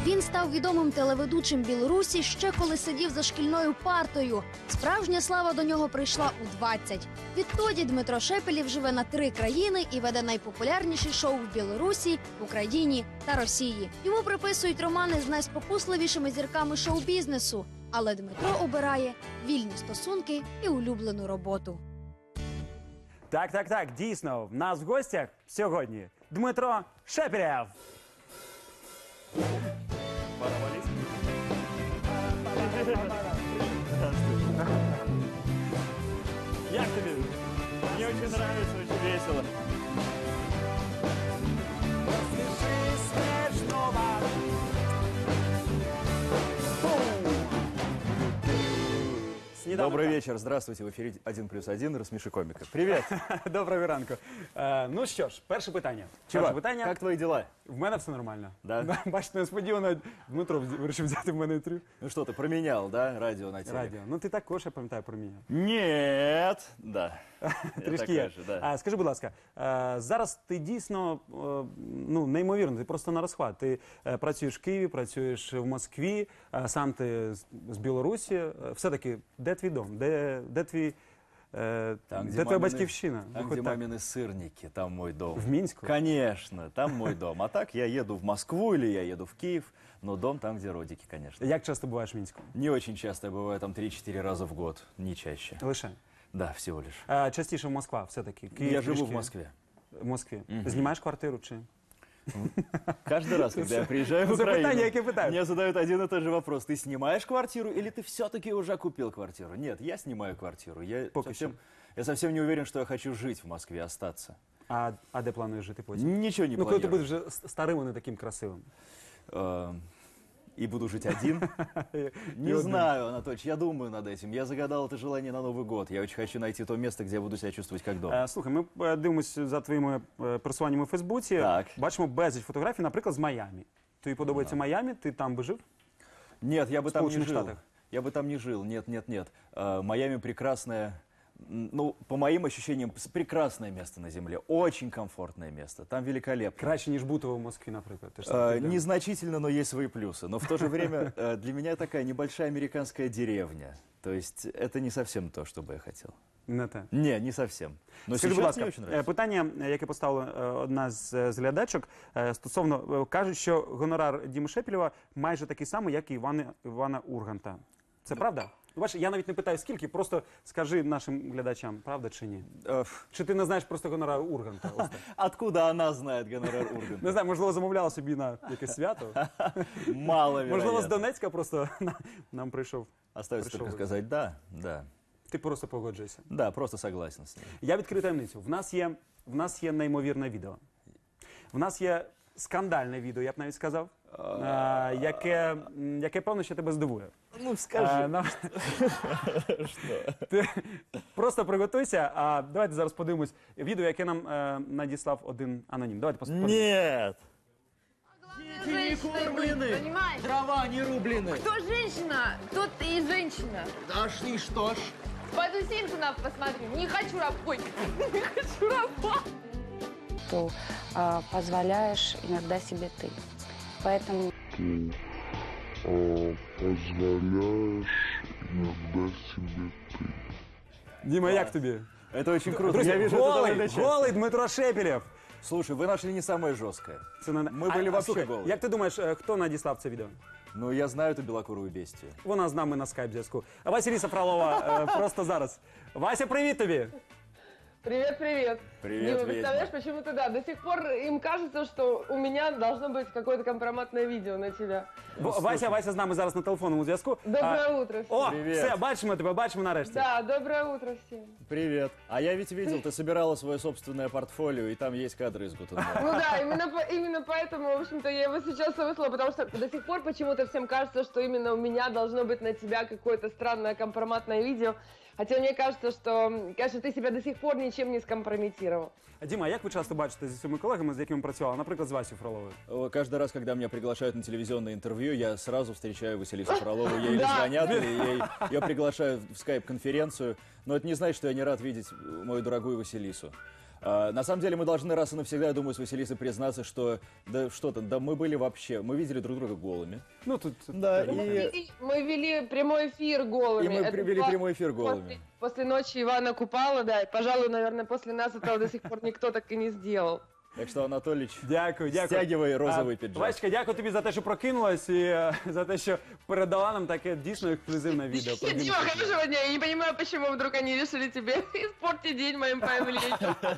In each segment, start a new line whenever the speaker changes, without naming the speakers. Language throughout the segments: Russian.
Він став відомим телеведучим Білорусі ще коли сидів за шкільною партою. Справжня слава до нього прийшла у 20. Відтоді Дмитро Шепелєв живе на 3 країни і веде найпопулярніші шоу в Білорусі, Україні та Росії. Йому приписують романи з найспокусливішими зірками шоу-бізнесу. Але Дмитро обирає вільні стосунки і улюблену роботу.
Так, дійсно, в нас в гостях сьогодні Дмитро Шепелєв. Як тобі? Мені дуже подобається, дуже весело.
Добрый вечер, здравствуйте, в эфире 1+1, рассмеши комика. Привет.
Доброго ранку. Ну що ж, перше питання.
Чувак, как твои дела?
В мене все нормально.
Да?
Бачите, несподівано Дмитро вирішив взяти в мене інтерв'ю.
Ну что, ты променял, да, радио на телек?
Радіо. Ну ти також, я пам'ятаю, про мене.
Нет. Да.
Трішки є.
Да.
Скажи, будь ласка, зараз ти дійсно, ну, неймовірно, ти просто на розхват. Ти працюєш в Києві, працюєш в Москві, сам ти з Білорусі. Все-таки, де твій дом? Де твій... Де твоя батьківщина?
Там, где мамины сырники, там мой дом.
В Минске?
Конечно, там мой дом. А так я еду в Москву или я еду в Киев, но дом там, где родики, конечно.
Як часто буваєш в Мінську?
Не очень часто, я бываю там 3-4 раза в год, не чаще.
Лише?
Да, всего лишь.
Частіше в Москва все-таки?
Я живу в Москве.
В Москві. Знімаєш квартиру чи?
Каждый раз, когда я приезжаю в Украину, мне задают один и тот же вопрос. Ты снимаешь квартиру или ты все-таки уже купил квартиру? Нет, я снимаю квартиру. Я совсем не уверен, что я хочу жить в Москве, остаться.
А де плануєш жити потім?
Ничего не
планирую. Ну, коли ти
планирую.
будеш вже старим, а не таким красивим.
И буду жить один? Не знаю, Анатольевич, я думаю над этим. Я загадал это желание на Новый год. Я очень хочу найти то место, где я буду себя чувствовать как дома.
Слухай, ми дивимося за твоїми пересуваннями у Фейсбуці.
Так.
Бачимо безліч фотографій, наприклад, з Майамі. Тобі подобається Майамі? Ти там би жив?
Нет, я бы там не
Сполученных
жил.
Штатах.
Я бы там не жил. Нет. Майами прекрасное, ну, по моим ощущениям, прекрасное место на земле. Очень комфортное место. Там великолепно.
Краще, ніж бути в Москві, наприклад. Ти ж сам туди.
Незначительно, но есть свои плюсы. Но в то же время для меня такая небольшая американская деревня. То есть это не совсем то, что бы я хотел.
Не те.
Не совсем. Но
Скажи, будь
сейчас мне
ласка,
очень нравится.
питання, яке поставила одна з глядачок, стосовно, кажуть, що гонорар Діми Шепелєва майже такий самий, як і Івана Урганта. Це правда? Бачиш, я навіть не питаю, скільки, просто скажи нашим глядачам, правда чи ні? Чи ти не знаєш просто гонорар Урганта? Ось так.
Откуда она знает гонорар Урганта?
Не знаю, можливо, замовляла собі на якесь свято.
Маловероятно.
Можливо, з Донецька просто нам прийшов.
Остается только сказать да.
Ти просто погоджуєшся.
Да, просто согласен с ним.
Я відкрию таємницю. В нас є неймовірне відео. В нас є скандальне відео, я б навіть сказав, яке певно, що тебе здивує.
Ну, скажи.
Ти просто приготуйся, а давайте зараз подивимось відео, яке нам надіслав один анонім. Давайте подивимось.
Нет!
Дети не кормлены,
Понимаешь?
дрова не рублены.
Кто женщина, тот и женщина.
Да ж и что ж.
Пойду Симпсонов посмотрю. Не хочу работать. Не хочу работать.
Что позволяешь иногда себе ты. Поэтому
позволяешь иногда себе ты.
Діма, як тобі?
Это очень круто.
Друзі,
Я вижу это довольно часто.
голий Дмитро Шепелєв.
Слушай, вы нашли не самое жесткое. Мы были вообще
слухай,
голые.
як ти думаєш, хто надіслав це відео?
Ну, я знаю эту белокурую бестию.
Вона з нами на скайп-зв'язку. Василіса Фролова просто зараз. Вася, привіт тобі!
Привет, привет.
Привет,
Дима,
ведьма.
представляешь, почему-то да, до сих пор им кажется, что у меня должно быть какое-то компроматное видео на тебя.
Вася з нами зараз на телефонному зв'язку.
Доброе утро всем.
О,
Привіт.
все, бачимо тебе, бачимо нарешті.
Да, доброе утро всем.
Привет. А я ведь видел, ты собирала свое собственное портфолио, и там есть кадры из Гутенберга.
Ну да, именно поэтому, в общем-то, я его сейчас выслала, потому что до сих пор почему-то всем кажется, что именно у меня должно быть на тебя какое-то странное компроматное видео. Хотя мне кажется, что, конечно, ты себя до сих пор ничем не скомпрометировал.
Діма, як ви часто бачите зі своїми колегами, з якими працювали, наприклад, з Васею Фроловою?
Каждый раз, когда меня приглашают на телевизионное интервью, я сразу встречаю Василису Фролову. Ей или звонят, или ее приглашают в скайп-конференцию. Но это не значит, что я не рад видеть мою дорогую Василису. На самом деле мы должны раз и навсегда, я думаю, с Василисой признаться, что да что там, да мы были вообще, мы видели друг друга голыми.
Ну тут
Да,
Мы вели прямой эфир голыми.
и мы
Это
вели
было
прямой эфир голыми.
После ночи Ивана Купала, да, и, пожалуй, наверное, после нас этого до сих пор никто так и не сделал.
Так що, Анатолійович,
дякую.
стягивай розовий піджак.
Васечка, дякую тобі за те, що прокинулась і за те, що передала нам таке дійсно ексклюзивне відео. про Діму
Дима,
Шепелєва.
хорошего дня. Я не понимаю, почему вдруг они решили тебе испортить день моим появлением.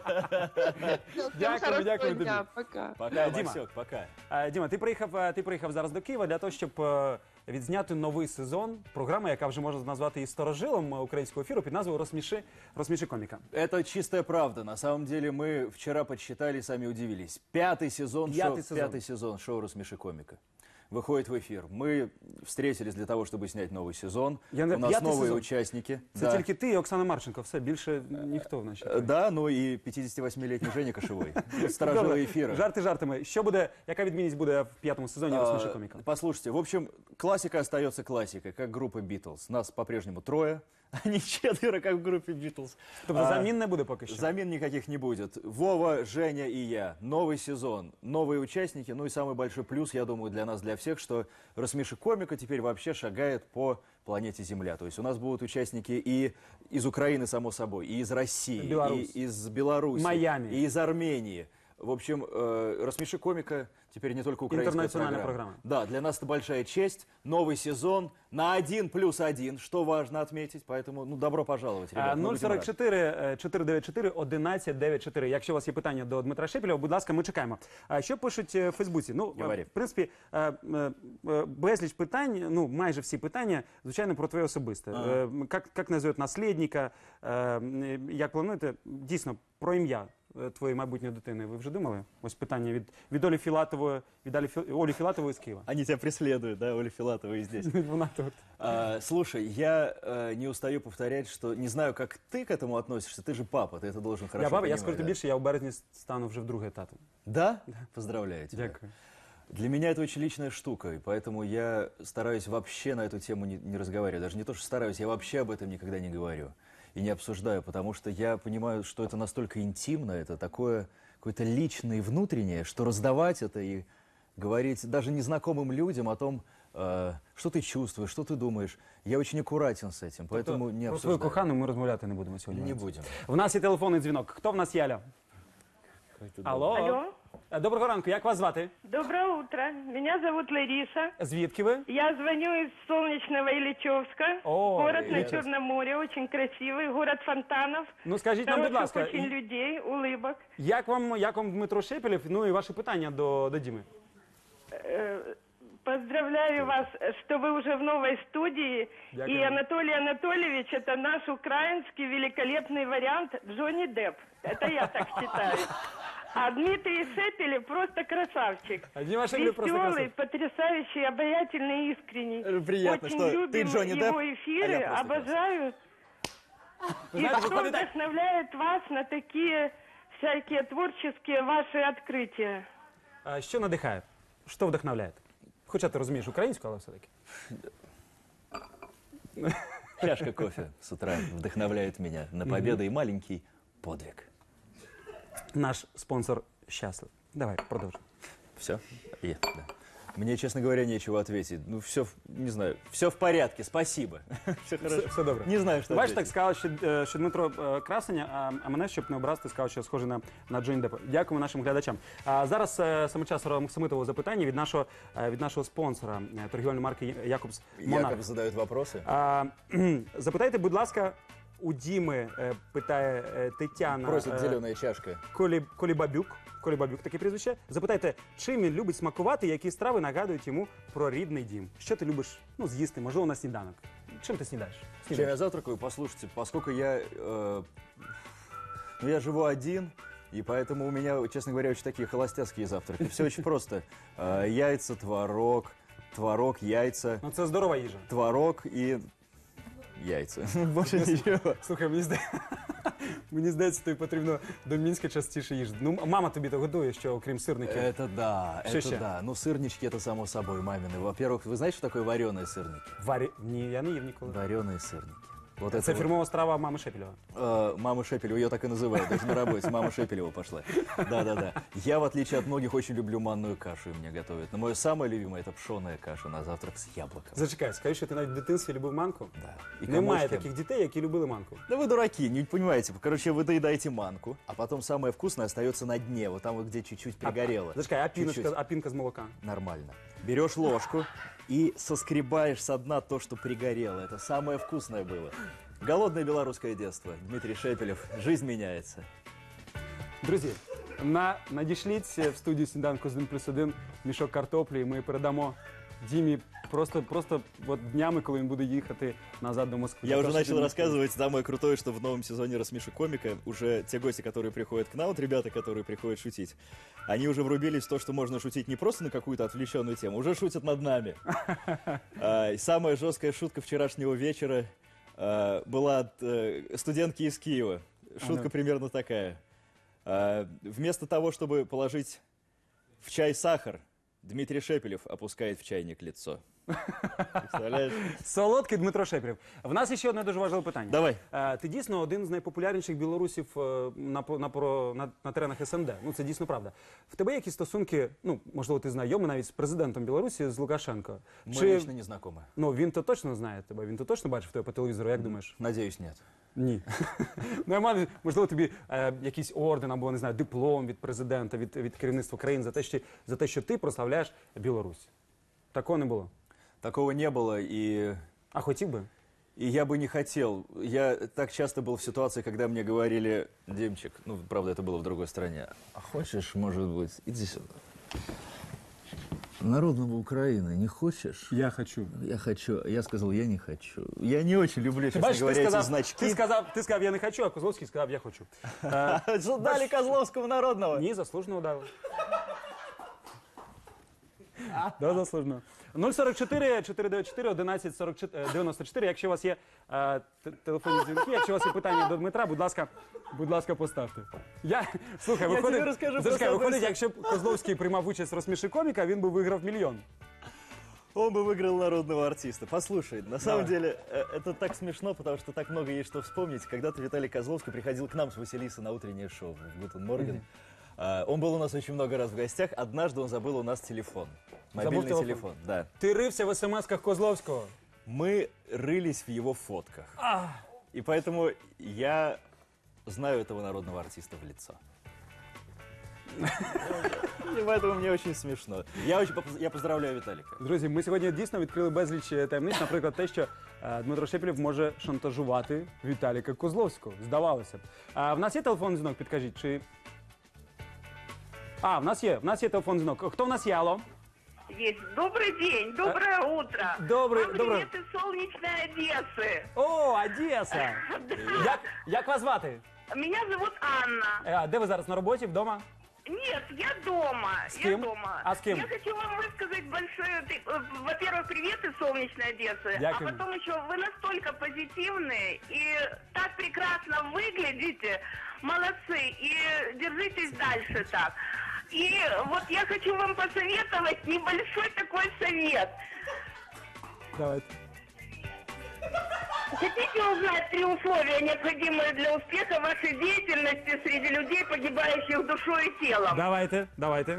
Всем
Дякую,
хорошего
дякую
дня.
тобі.
Пока.
Пока,
Діма.
Васек, пока.
Діма, ти приїхав зараз до Києва для того, щоб відзняти новий сезон програми, яка вже можна назвати і старожилом українського ефіру під назвою «Розсміши коміка».
Это чистая правда. На самом деле мы вчера подсчитали, сами удивились. Пятый сезон шоу «Рассмеши комика» выходит в эфир. Мы встретились для того, чтобы снять новый сезон. У нас
пятый
новые
сезон?
участники.
Це тільки ти і Оксана Марченко, все, більше ніхто в нашій країні.
Да, ну и 58-летний Женя Кошевой. Старожила эфира.
Жарти жартами. Яка відмінність буде в п'ятому сезоні «Розсміши коміка»?
Послушайте, в общем, классика остается классикой, как группа Beatles. Нас по-прежнему трое, а не четверо, как в группе Beatles.
Тобто замін не буде поки що?
Замен никаких не будет. Вова, Женя и я. Новый сезон, новые участники. Ну и самый большой плюс, я думаю, для нас, для всех, что «Рассмеши комика» теперь вообще шагает по планете Земля. То есть у нас будут участники и из Украины, само собой, и из России,
Беларусь.
и из Беларуси,
Майами.
и из Армении. В общем, «Рассмеши комика» теперь не только украинская
Интернациональная программа.
Да, для нас это большая честь. Новый сезон на 1+1, что важно отметить. Поэтому, ну, добро пожаловать, ребята. Мы будем рады.
044 494 1194. Якщо у вас є питання до Дмитра Шепелєва, будь ласка, ми чекаємо. Що пишуть в Фейсбуці? Ну,
Говори.
в принципі, безліч питань, ну, майже всі питання, звичайно, про твоє особисте. Як називають наслідника, як плануєте? Дійсно, про ім'я твоєї майбутньої дитини ви вже думали? Ось питання від Олі Філатової, Олі Філатової з Києва.
Они тебя преследуют, да, Оля Филатова и здесь.
Вона тут.
Слушай, я не устаю повторять, что не знаю, как ты к этому относишься. Ты же папа, ты это должен хорошо
Я баба, я
понимать,
скажу тобі
да?
більше, я у березні стану вже вдруге татом.
Да? Поздравляю тебя.
Дякую.
Для меня это очень личная штука, и поэтому я стараюсь вообще на эту тему не разговаривать. Даже не то, что стараюсь, я вообще об этом никогда не говорю и не обсуждаю, потому что я понимаю, что это настолько интимно, это такое какое-то личное и внутреннее, что раздавать это и говорить даже незнакомым людям о том, что ты чувствуешь, что ты думаешь. Я очень аккуратен с этим, поэтому не
Про свою
обсуждаю.
кохану ми розмовляти не будемо сьогодні.
Не будем.
В нас є телефонний дзвінок. Хто в нас є, Аля? Алло.
Алло.
Доброго ранку, як вас звати?
Доброе утро. Меня зовут Лариса.
Звідки ви?
Я звоню из солнечного Ильичевска.
О,
Город на
Ильичевск.
Черном море, очень красивый. Город фонтанов.
Ну скажіть нам, будь
Хороших
ласка,
очень людей, улыбок.
як вам Дмитро Шепелєв, ну і ваші питання до Діми?
Поздравляю вас, что вы уже в новой студии.
Дякую.
И Анатолий Анатольевич, это наш украинский великолепный вариант Джонни Депп. Это я так считаю. А Дмитрий Шепелев просто красавчик.
А Дима Шепелев просто
Веселый,
красавчик.
потрясающий, обаятельный, искренний.
Приятно,
Очень
что
любим
ты Джонни Депп,
его
а
эфиры,
я просто
обожаю.
Ви
И
знаєте,
что
виходить так.
вдохновляет вас на такие всякие творческие ваши открытия?
Що надихає? Що вдохновляє? Хоча ти розумієш українську, але все-таки.
Чашка кофе с утра вдохновляет меня на победу и маленький подвиг.
Наш спонсор щаслив. Давай, продовжуй.
Все? Да. Мне, честно говоря, нечего ответить. Ну, все, не знаю, все в порядке, спасибо. Все хорошо.
Все добре.
Не знаю, що
Бачиш, так
ответить.
сказав, що Дмитро красення, а мене, щоб не образити, сказав, що схоже на Джонні Деппа. Дякуємо нашим глядачам. А зараз саме час Максимитового запитання від нашого спонсора торгівельної марки Якобс Монарх.
Яков задает вопросы.
Запитайте, будь ласка, у Діми, питає Тетяна
Просит зеленая чашка.
Колібабюк, таке прізвище. Запитайте, чим він любить смакувати, які страви нагадують йому про рідний дім. Що ти любиш з'їсти, можливо, на сніданок? Чим ти снідаєш?
Чем я завтракаю? Послушайте, поскольку я живу один, и поэтому у меня, честно говоря, очень такие холостяцкие завтраки. Все очень просто. Яйца, творог, яйца,
Ну, це здорова їжа.
творог и яйца. Больше ничего.
Слухай, мені здається, тобі потрібно до Мінська частіше їжджати. Ну, мама тобі то годує, що окрім сирників.
Это да,
Что
это
еще?
да. Ну, сырнички это само собой мамины. Во-первых, вы знаете, что такое вареные сырники?
Ні, я не їв ніколи.
Вареные сырники. Вот
Это фирмовая страва мамы Шепелева.
Мама Шепелева, ее так и называют, даже на работе. Мама Шепелева пошла. Да-да-да. Я, в отличие от многих, очень люблю манную кашу, и мне готовят. Но мое самое любимое – это пшеная каша на завтрак с яблоком.
Зачекай, скажи, що ти навіть в дитинстві любив манку?
Да.
Немає таких дітей, які любили манку.
Да вы дураки, не понимаете. Короче, вы доедаете манку, а потом самое вкусное остается на дне, вот там вот, где чуть-чуть пригорело.
Зачекай, а пинка с молока?
Нормально. Берешь ложку и соскребаешь со дна то, что пригорело. Это самое вкусное было. Голодное белорусское детство. Дмитрий Шепелев. Жизнь меняется.
Друзі, надішліть в студію «Сніданку з 1+1» мішок картоплі, і ми передамо Дімі просто вот днями, коли він буде їхати назад до Москвы.
Я уже начал рассказывать, самое крутое, что в новом сезоне «Рассмеши комика» уже те гости, которые приходят к нам, вот ребята, которые приходят шутить, они уже врубились в то, что можно шутить не просто на какую-то отвлеченную тему, уже шутят над нами. Самая жесткая шутка вчерашнего вечера была от студентки из Киева. Шутка примерно такая. Вместо того, чтобы положить в чай сахар, Дмитрий Шепелев опускает в чайник лицо. Представляєш?
Солодкий Дмитро Шепелев. В нас ще одне дуже важливе питання.
Давай.
Ти дійсно один з найпопулярніших білорусів на теренах СНД. Ну, це дійсно правда. В тебе якісь стосунки, ну, можливо, ти знайомий навіть з президентом Білорусі, з Лукашенко?
Ми лично не знайомі.
Ну, він то точно знає тебе, він то точно бачив тебе по телевізору, як думаєш?
Надіюсь, ні.
Ні. Ну, можливо, тобі якийсь орден або, не знаю, диплом від президента, від керівництва країн за те, що ти прославляєш Білорусь. Такого не було?
Такого не было, и...
А хотел бы?
И я бы не хотел. Я так часто был в ситуации, когда мне говорили: Демчик, ну, правда, это было в другой стране, а хочешь, может быть, иди сюда. Народного Украины не хочешь?
Я хочу.
Я хочу. Я сказал, я не хочу. Я не очень люблю, честно говоря, эти значки.
Ти сказав, я не хочу, а Козловський сказав, я хочу.
Что дали Козловскому народного?
Ні, заслужено дали. Да, заслужено. 044 494 11 94. Якщо у вас є телефонні дзвінки, якщо у вас є питання до Дмитра, будь ласка, поставте. Слухай, виходить, якщо б Козловський приймав участь в «Розсміши коміка», він би виграв мільйон.
Он бы выиграл народного артиста. Послушай, на самом деле, это так смешно, потому что так много есть что вспомнить. Когда-то Виталий Козловский приходил к нам с Василисой на утреннее шоу в «Гутен Морген». Он был у нас очень много раз в гостях. Однажды он забыл у нас телефон. Мобильный телефон, да.
Ты рылся в смс-ках Козловского?
Мы рылись в его фотках. И поэтому я знаю этого народного артиста в лицо. І поэтому мені дуже смішно. Я поздравляю Віталіка.
Друзі, ми сьогодні дійсно відкрили безліч таємниць. Наприклад, те, що Дмитро Шепелев може шантажувати Віталіка Козловського. Здавалося б. В нас є телефонний дзвінок, підкажіть, чи... В нас є телефонний дзвінок. Хто в нас є, алло?
Есть. Добрый день, доброе утро.
Добрый.
Привет из солнечной Одессы.
О, Одеса. Як вас звати?
Меня зовут Анна.
Де ви зараз, на роботі, вдома?
Нет, я дома.
С кем?
Я дома.
А с кем?
Я хочу вам высказать большое, во-первых, привет из солнечной Одессы.
Дякую.
А потом еще вы настолько позитивные и так прекрасно выглядите. Молодцы. И держитесь дальше так. И вот я хочу вам посоветовать небольшой такой совет.
Давайте.
Хотите узнать 3 условия, необходимые для успеха вашей деятельности среди людей, погибающих душой и телом?
Давайте.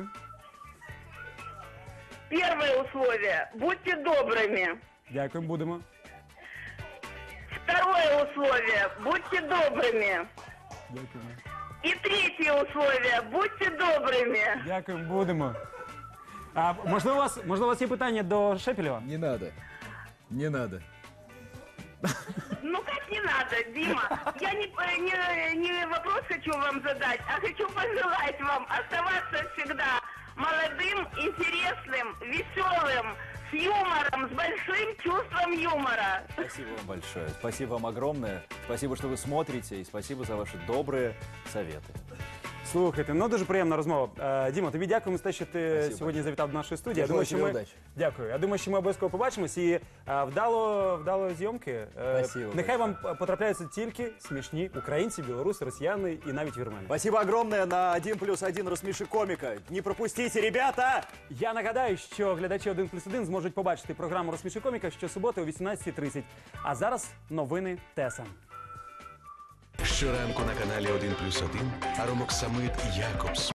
Первое условие. Будьте добрыми.
Дякую, будемо.
Второе условие. Будьте добрыми.
Дякую.
И третье условие. Будьте добрыми.
Дякую, будемо. Можливо, у вас є питання до Шепелева?
Не надо.
Ну как не надо, Дима? Я не вопрос хочу вам задать, а хочу пожелать вам оставаться всегда молодым, интересным, веселым, с юмором, с большим чувством юмора.
Спасибо вам большое. Спасибо вам огромное. Спасибо, что вы смотрите, и спасибо за ваши добрые советы.
Слухайте, ну дуже приємна розмова. Діма, тобі дякуємо за те, що ти сьогодні завітав до нашої студії. Дякую. Я думаю, що ми обов'язково побачимось і вдало зйомки. Нехай вам потрапляються тільки смішні українці, білоруси, росіяни і навіть вірмени.
Спасибо огромное. На 1+1 розсміши коміка. Не пропустите, ребята!
Я нагадаю, що глядачі 1+1 зможуть побачити програму «Розсміши коміка» щосуботи о 18:30. А зараз новини ТСН.
Щоранку на каналі 1+1 Аромоксамид Якобс.